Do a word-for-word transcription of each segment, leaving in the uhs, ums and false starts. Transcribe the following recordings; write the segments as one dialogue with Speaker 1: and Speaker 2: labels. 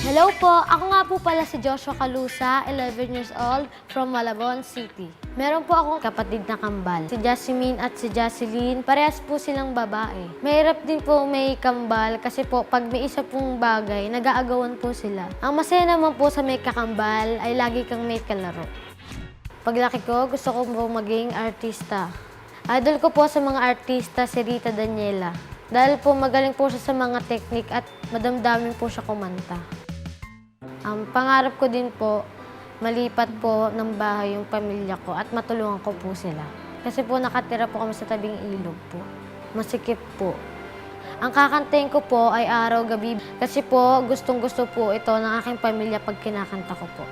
Speaker 1: Hello po, ako nga po pala si Joshua Calusa, eleven years old, from Malabon City. Meron po akong kapatid na kambal, si Jasmine at si Jocelyn. Parehas po silang babae. Mahirap din po may kambal kasi po pag may isa pong bagay, nag-aagawan po sila. Ang masaya naman po sa may kakambal ay lagi kang may kalaro. Paglaki ko, gusto ko po maging artista. Idol ko po sa mga artista si Rita Daniela. Dahil po magaling po siya sa mga teknik at madamdamin po siya kumanta. Ang um, pangarap ko din po, malipat po ng bahay yung pamilya ko at matulungan ko po sila. Kasi po nakatira po kami sa tabing ilog po. Masikip po. Ang kakantayin ko po ay araw-gabi kasi po gustong-gusto po ito ng aking pamilya pag kinakanta ko po.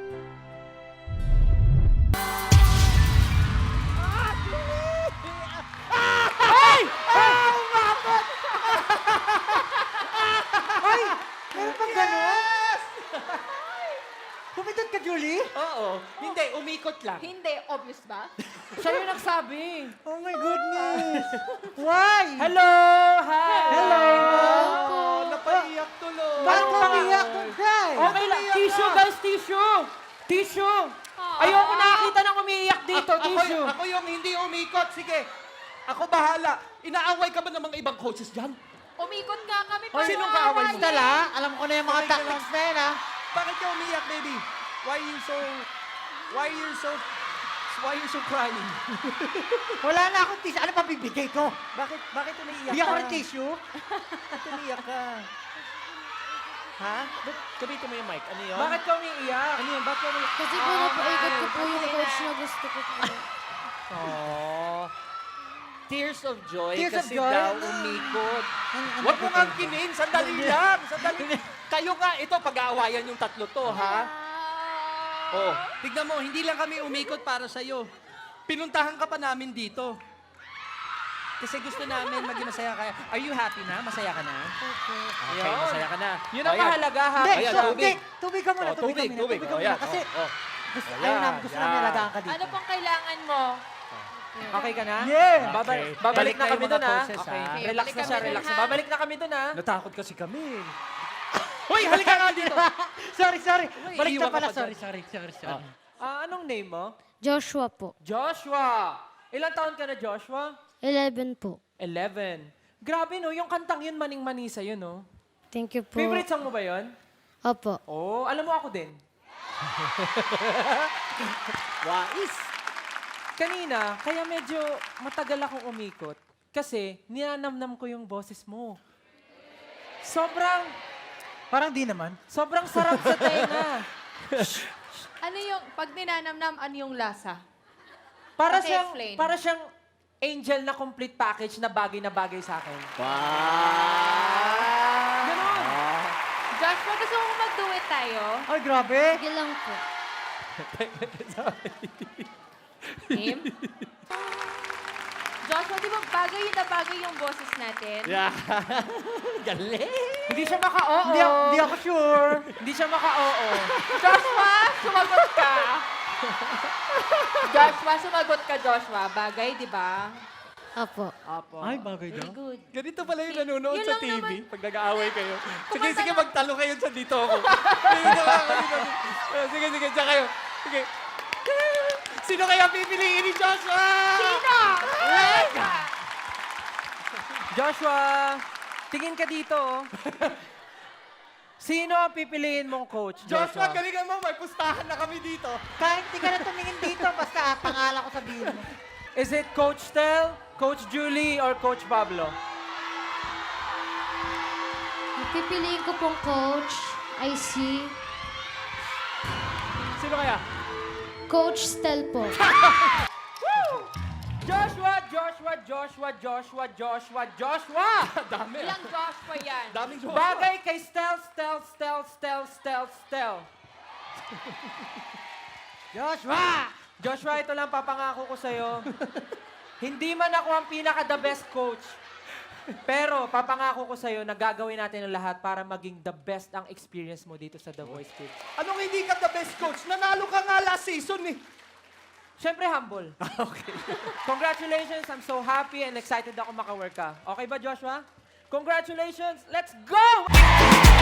Speaker 2: Meron pang gano'n? Pumindot ka, Julie?
Speaker 3: Oo. Hindi, umikot lang.
Speaker 4: Hindi, obvious ba?
Speaker 3: Siya yung nagsabi.
Speaker 2: Oh my goodness! Why?
Speaker 3: Hello! Hi!
Speaker 2: Hello!
Speaker 3: Oh, napaiyak tuloy.
Speaker 2: Bakit
Speaker 3: Ano
Speaker 2: ka
Speaker 3: ba?
Speaker 2: umiyak? Don't cry!
Speaker 3: Okay lang. Tissue, guys, tissue! Tissue! Ayoko nakakita ng umiiyak dito,
Speaker 5: A- ako,
Speaker 3: tissue.
Speaker 5: ako yung hindi umikot. Sige, ako bahala. Inaaway ka ba ng mga ibang coaches dyan?
Speaker 4: Umikot nga kami
Speaker 5: Hoy,
Speaker 4: para
Speaker 5: sinong kaaway mo?
Speaker 2: Dala, alam ko na yung mga
Speaker 5: Sorry,
Speaker 2: tactics na yan, ha?
Speaker 5: Bakit ka umiyak, baby? Why you so... Why you so... Why you so crying?
Speaker 2: Wala na akong tissue. Ano pa bibigay ko?
Speaker 5: Bakit, bakit umiiyak
Speaker 2: Bigyan ko
Speaker 5: ka?
Speaker 2: ng tissue?
Speaker 5: Bakit umiiyak ka? Ha? Ba't gamitin mo yung mic? Ano yun?
Speaker 3: Bakit ka umiiyak?
Speaker 5: Ano yun? Bakit ka umiiyak?
Speaker 1: Kasi po napaikot ko po yung coach na gusto ko po.
Speaker 5: Aww. Tears of joy
Speaker 2: Tears of
Speaker 5: kasi
Speaker 2: joy?
Speaker 5: daw umikot.
Speaker 2: Ano- ano
Speaker 5: Huwag mo
Speaker 2: ba
Speaker 5: nga
Speaker 2: ito?
Speaker 5: kinin. Sandali lang. Sandali. Kayo nga, ito, pag-aawayan yung tatlo to, ha? Oh, tignan mo, hindi lang kami umikot para sa'yo. Pinuntahan ka pa namin dito. Kasi gusto namin maging masaya ka. Are you happy na? Masaya ka na? Okay,
Speaker 3: Yun.
Speaker 5: masaya ka na.
Speaker 3: Yun ang
Speaker 5: Ayan.
Speaker 3: mahalaga, ha?
Speaker 2: Hindi,
Speaker 5: Ayan,
Speaker 2: so,
Speaker 5: tubig.
Speaker 2: hindi. Tubig ka muna,
Speaker 5: Oh,
Speaker 2: tubig,
Speaker 5: tubig,
Speaker 2: ka muna.
Speaker 5: tubig.
Speaker 2: Tubig ka
Speaker 5: Oh,
Speaker 2: muna.
Speaker 5: yan.
Speaker 2: Kasi
Speaker 5: Oh, oh.
Speaker 2: gusto,
Speaker 5: Ayan,
Speaker 2: ayaw namin, gusto namin
Speaker 5: yan.
Speaker 2: alagaan ka dito.
Speaker 4: Ano pang kailangan mo?
Speaker 3: Okay ka na?
Speaker 2: Yeah!
Speaker 3: Babalik,
Speaker 5: Okay.
Speaker 3: babalik
Speaker 5: Balik
Speaker 3: na
Speaker 5: na
Speaker 3: kami
Speaker 5: yung
Speaker 3: doon,
Speaker 5: mga
Speaker 3: ha?
Speaker 5: coaches,
Speaker 3: Okay.
Speaker 5: ha?
Speaker 3: Relax
Speaker 4: Balik
Speaker 3: na siya,
Speaker 4: kami
Speaker 3: relax.
Speaker 4: dun, ha?
Speaker 3: Babalik na kami doon, ha?
Speaker 5: Natakot kasi kami. Hoy, halika nga dito.
Speaker 2: sorry, sorry. Balik
Speaker 5: iiwan
Speaker 2: na
Speaker 5: ka
Speaker 2: pala.
Speaker 5: pa dyan.
Speaker 2: Sorry, sorry, sorry, sorry.
Speaker 3: Ah, anong name mo?
Speaker 1: Joshua po,
Speaker 3: Joshua! Ilang taon ka na, Joshua?
Speaker 1: eleven po.
Speaker 3: Eleven. Grabe, no? Yung kantang yun, maning-mani sa'yo, no?
Speaker 1: Thank you po.
Speaker 3: Favorite song mo ba yun?
Speaker 1: Opo.
Speaker 3: Oh, alam mo ako din.
Speaker 5: Wais.
Speaker 3: Kanina, kaya medyo matagal akong umikot kasi ninanamnam ko yung boses mo. Sobrang,
Speaker 2: Parang di naman.
Speaker 3: sobrang sarap sa tenga.
Speaker 4: Ano yung, pag ninanamnam, ano yung lasa?
Speaker 3: Para
Speaker 4: Okay,
Speaker 3: siyang,
Speaker 4: explain.
Speaker 3: para siyang angel na complete package na bagay na bagay sa akin.
Speaker 5: Wow.
Speaker 3: Ganon.
Speaker 4: Joshua, gusto mo mag-duet tayo?
Speaker 2: Ay, grabe.
Speaker 1: Sige lang po.
Speaker 4: Him? Joshua, di ba bagay yun na bagay yung boses natin?
Speaker 5: Yeah. Galing.
Speaker 3: Hindi siya maka-oo.
Speaker 2: Hindi, ako- hindi ako sure.
Speaker 3: Hindi siya maka-oo.
Speaker 4: Joshua, sumagot ka. Joshua, sumagot ka, Joshua. Bagay, di ba?
Speaker 1: Opo.
Speaker 3: Apo.
Speaker 2: Ay, bagay daw.
Speaker 4: Very good.
Speaker 5: Ganito pala yung nanonood
Speaker 4: Yun
Speaker 5: sa
Speaker 4: lang
Speaker 5: T V
Speaker 4: naman.
Speaker 5: pag nag-aaway kayo. Sige,
Speaker 4: Kumanta
Speaker 5: sige,
Speaker 4: lang.
Speaker 5: magtalo kayo dyan dito ako. Dito ka ako, dito. Ah, Sige, sige, dyan kayo. Sige. Sino kaya pipiliin ni Joshua?
Speaker 4: Sino?
Speaker 3: Joshua, tingin ka dito. oh. Sino ang pipiliin mong coach,
Speaker 5: Joshua,
Speaker 3: Joshua?
Speaker 5: galingan mo. May pustahan na kami dito.
Speaker 2: Kahit hindi ka na tumingin dito, basta pangalan ko sabihin mo.
Speaker 3: Is it Coach Tel, Coach Julie, or Coach Pablo?
Speaker 1: Yung pipiliin ko pong coach ay si
Speaker 5: Sino kaya?
Speaker 1: Coach Stel po.
Speaker 3: Joshua, Joshua, Joshua, Joshua, Joshua, Joshua!
Speaker 5: Dami.
Speaker 4: Ilang Joshua yan?
Speaker 5: Daming Joshua.
Speaker 3: Bagay kay Stel, Stel, Stel, Stel, Stel, Stel.
Speaker 2: Joshua!
Speaker 3: Joshua, ito lang papangako ko sa'yo. Hindi man ako ang pinaka-the best coach. Pero papangako ko sa'yo na gagawin natin ang lahat para maging the best ang experience mo dito sa The Voice Kids.
Speaker 5: Anong hindi ka the best coach? Nanalo ka nga last season eh.
Speaker 3: Siyempre, humble.
Speaker 5: Okay.
Speaker 3: Congratulations. I'm so happy and excited ako maka-work ka. Okay ba, Joshua? Congratulations. Let's go!